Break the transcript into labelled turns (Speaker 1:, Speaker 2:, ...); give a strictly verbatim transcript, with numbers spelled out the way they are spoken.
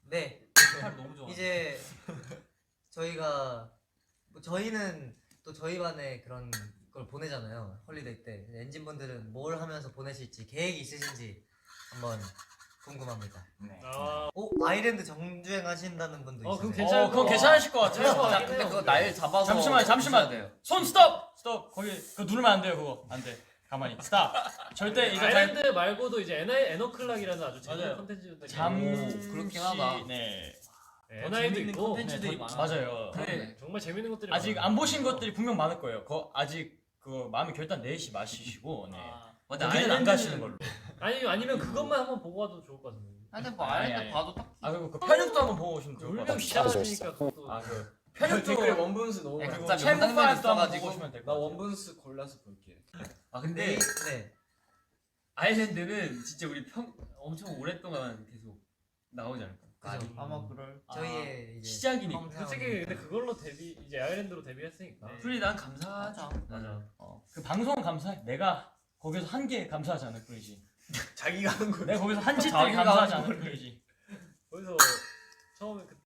Speaker 1: 네.
Speaker 2: 너무 좋아.
Speaker 1: 이제 저희가 뭐 저희는 또 저희 반에 그런 걸 보내잖아요. 홀리데이 때. 엔진분들은 뭘 하면서 보내실지 계획이 있으신지 한번 궁금합니다.
Speaker 3: 네.
Speaker 1: 아, 오 아일랜드 정주행 하신다는 분도
Speaker 4: 어,
Speaker 1: 있어요.
Speaker 4: 그럼 괜찮을
Speaker 2: 어, 그건 괜찮으실 것 같아요.
Speaker 4: 자,
Speaker 2: 근데
Speaker 4: 그거
Speaker 2: 날 잡아서
Speaker 5: 잠시만 잠시만
Speaker 2: 돼요.
Speaker 5: 손 스톱 스톱 거기 그거 누르면 안 돼요 그거 안 돼. 가만히 스탑. 절대 이거
Speaker 4: 아일랜드 말고도 이제 에나 에너클락이라는 아주 재밌는
Speaker 5: 맞아요.
Speaker 4: 컨텐츠도
Speaker 5: 잠시
Speaker 2: 그렇긴 하다.
Speaker 5: 네.
Speaker 4: 에나이도
Speaker 2: 재밌는
Speaker 4: 있고
Speaker 2: 콘텐츠들이
Speaker 5: 네, 더-
Speaker 2: 많아.
Speaker 5: 맞아요.
Speaker 2: 그래.
Speaker 4: 정말 재밌는 것들이
Speaker 5: 아직
Speaker 4: 많아요.
Speaker 5: 안 보신 것들이 분명 많을 거예요. 그 아직 그 마음의 결단 내시 마시시고 네.
Speaker 2: 맞아.
Speaker 5: 거기는 안 가시는 걸로.
Speaker 4: 아니 아니면 그것만 한번 보고 와도 좋을 것 같은데.
Speaker 2: 근데 뭐
Speaker 5: 아니,
Speaker 2: 아일랜드
Speaker 5: 아니.
Speaker 2: 봐도 딱.
Speaker 5: 아 그리고 그 편육도 한번 보고 오시면 좋을 것
Speaker 4: 울면
Speaker 5: 같아요.
Speaker 4: 귀찮아지니까 그것도.
Speaker 5: 아그 편육도
Speaker 6: 댓글에 원분수 너무
Speaker 2: 네,
Speaker 6: 많아.
Speaker 2: 각자
Speaker 5: 최고
Speaker 2: 명장면이
Speaker 5: 파일도 한번
Speaker 2: 있어가지고.
Speaker 5: 보고 오시면 될
Speaker 6: 나
Speaker 5: 것 같아요.
Speaker 6: 원분수 골라서 볼게.
Speaker 2: 아
Speaker 1: 네.
Speaker 2: 근데
Speaker 1: 네.
Speaker 2: 아일랜드는 진짜 우리 평 엄청 오랫동안 계속 나오지 않을까?
Speaker 1: 그죠.
Speaker 2: 아마 그럴.
Speaker 1: 저희의 이제
Speaker 2: 시작이니까.
Speaker 1: 펌
Speaker 4: 솔직히
Speaker 1: 사원이니까.
Speaker 4: 근데 그걸로 데뷔 이제 아일랜드로 데뷔했으니까.
Speaker 2: 풀이 난 감사하죠.
Speaker 4: 맞아.
Speaker 5: 어, 그 방송 감사해. 내가 거기서 한 개 감사하지 않을 뿐이지.
Speaker 6: 자기가 하는 거.
Speaker 5: 내가 거기서 한 짓
Speaker 2: 자기가
Speaker 5: 되게 감사하지
Speaker 2: 하는
Speaker 5: 않을
Speaker 2: 거를.
Speaker 5: 뿐이지.
Speaker 4: 거기서